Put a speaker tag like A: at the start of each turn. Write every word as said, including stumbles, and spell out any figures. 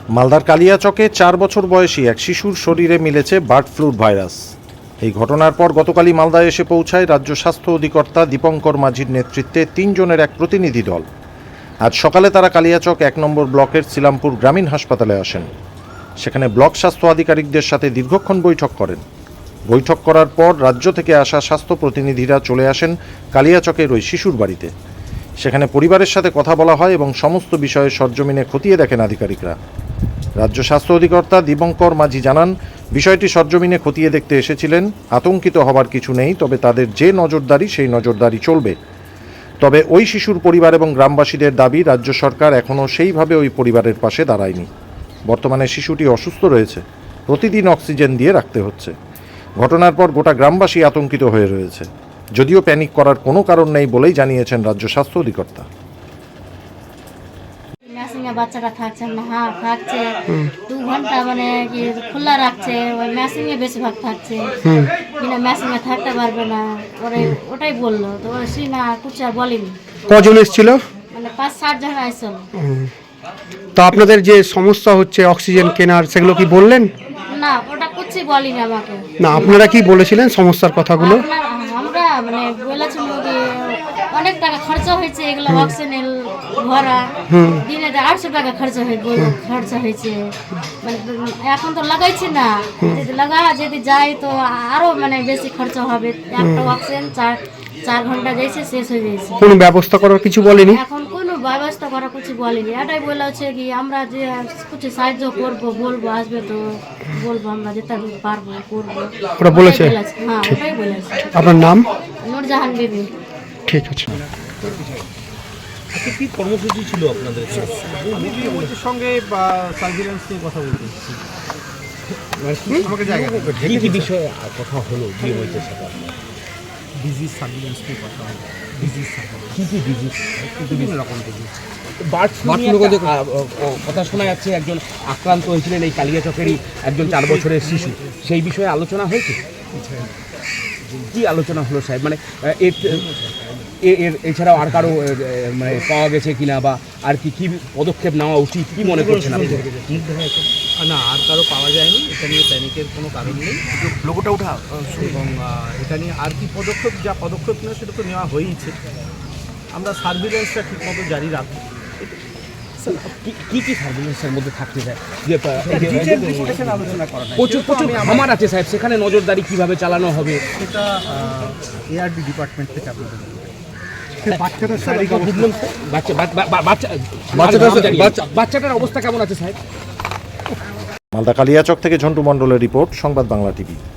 A: মালদার কালিয়াচকে চার বছর বয়সী এক শিশুর শরীরে মিলেছে বার্ড ফ্লুর ভাইরাস। এই ঘটনার পর গতকালই মালদায় এসে পৌঁছায় রাজ্য স্বাস্থ্য অধিকর্তা দীপঙ্কর মাঝির নেতৃত্বে তিনজনের এক প্রতিনিধি দল। আজ সকালে তারা কালিয়াচক এক নম্বর ব্লকের সিলামপুর গ্রামীণ হাসপাতালে আসেন। সেখানে ব্লক স্বাস্থ্য আধিকারিকদের সাথে দীর্ঘক্ষণ বৈঠক করেন। বৈঠক করার পর রাজ্য থেকে আসা স্বাস্থ্য প্রতিনিধিরা চলে আসেন কালিয়াচকের ওই শিশুর বাড়িতে। সেখানে পরিবারের সাথে কথা বলা হয় এবং সমস্ত বিষয়ে সরজমিনে খতিয়ে দেখেন আধিকারিকরা। রাজ্য স্বাস্থ্য অধিকর্তা দীপঙ্কর মাঝি জানান, বিষয়টি সরজমিনে খতিয়ে দেখতে এসেছিলেন। আতঙ্কিত হবার কিছু নেই, তবে তাদের যে নজরদারি সেই নজরদারি চলবে। তবে ওই শিশুর পরিবার এবং গ্রামবাসীদের দাবি, রাজ্য সরকার এখনও সেইভাবে ওই পরিবারের পাশে দাঁড়ায়নি। বর্তমানে শিশুটি অসুস্থ রয়েছে, প্রতিদিন অক্সিজেন দিয়ে রাখতে হচ্ছে। ঘটনার পর গোটা গ্রামবাসী আতঙ্কিত হয়ে রয়েছে, যদিও প্যানিক করার কোনো কারণ নেই বলেই জানিয়েছেন রাজ্য স্বাস্থ্য অধিকর্তা।
B: মেশিনে বাচ্চাটা থাকছে না, হ্যাঁ থাকছে দু ঘন্টা মানে কি খোলা রাখছে, ওই মেশিনে বেশিরভাগ থাকছে, কিনা মেশিনে থাকতে পারবে না, ওরে ওটাই বললো। তো ওরা সে না কিছু আর বলেনি।
C: কজন এসেছিল?
B: মানে পাঁচ ষাট জন আসছিল।
C: তো আপনাদের যে সমস্যা হচ্ছে অক্সিজেন কেনার, সেগুলো কি বললেন?
B: না, ওটা কিছু বলিনি আমাকে।
C: না, আপনারা কি বলেছিলেন সমস্যার কথাগুলো?
B: আপনার- আমরা মানে বলেছিল যে অনেক টাকা খরচা হয়েছে, এগুলো অক্সিজেন ভরা দিনে আটশো টাকা খরচা হয়ে খরচা হয়েছে। মানে এখন তো লাগাইছি না, যদি লাগা যদি যাই তো আরো মানে বেশি খরচা হবে। একটা অক্সিজেন চার চার ঘন্টা যাইছে, শেষ হয়ে যাইছে।
C: কোনো ব্যবস্থা করার কিছু বলেনি?
B: এখন কোনো ব্যবস্থা করা কিছু বলেনি। এটাই বলা হচ্ছে কি আমরা যে কিছু সাহায্য করবো, বলবো আসবে তো বলবো, আমরা যেটা পারবো করবো।
C: ওরা বলেছে?
B: হ্যাঁ, ওটাই বলেছে।
C: আপনার নাম?
B: নূরজাহান বিবি।
C: ঠিক আছে।
D: কি কর্মসূচি ছিল আপনাদের?
E: আমি ডিএমওর সঙ্গে বা সার্ভিলেন্স নিয়ে কথা বলতে এসেছি। আমাকে জায়গা
D: কি কি বিষয়ে কথা হলো ডিএমওর সাথে?
E: ডিজিজ সার্ভিলেন্স নিয়ে কথা হলো। ডিজিজ সার্ভিলেন্স
D: কি কি ডিজিজ?
E: বিভিন্ন রকম ডিজিজ।
D: বার্ড ফ্লু কথা শোনা যাচ্ছে, একজন আক্রান্ত হয়েছিলেন এই কালিয়াচকেরই একজন চার বছরের শিশু। সেই বিষয়ে আলোচনা হয়েছে? কি আলোচনা হলো সাহেব? মানে এর এর এছাড়াও আর কারো মানে পাওয়া গেছে কিনা, বা আর কি কি পদক্ষেপ নেওয়া উচিত, কি মনে করছেন আপনি?
E: না, আর কারো পাওয়া যায়নি। এটা নিয়ে প্যানিকের কোনো কারণ নেই। লোকটা উঠা এবং এটা নিয়ে আর কি পদক্ষেপ, যা পদক্ষেপ নেওয়া সেটা তো নেওয়া হয়েইছে। আমরা সার্ভিলেন্সটা ঠিকমতো জারি রাখবো।
D: কি কি সার্ভিলেন্সের মধ্যে থাকতে চায়? যে প্রচুর প্রচুর খামার আছে সাহেব, সেখানে নজরদারি কিভাবে চালানো হবে
E: সেটা এআরডি ডিপার্টমেন্ট থেকে আপনাদের
D: বাচ্চাটার অবস্থা কেমন আছে সাহেব?
A: মালদা কালিয়াচক থেকে ঝন্টু মণ্ডলের রিপোর্ট, সংবাদ বাংলা টিভি।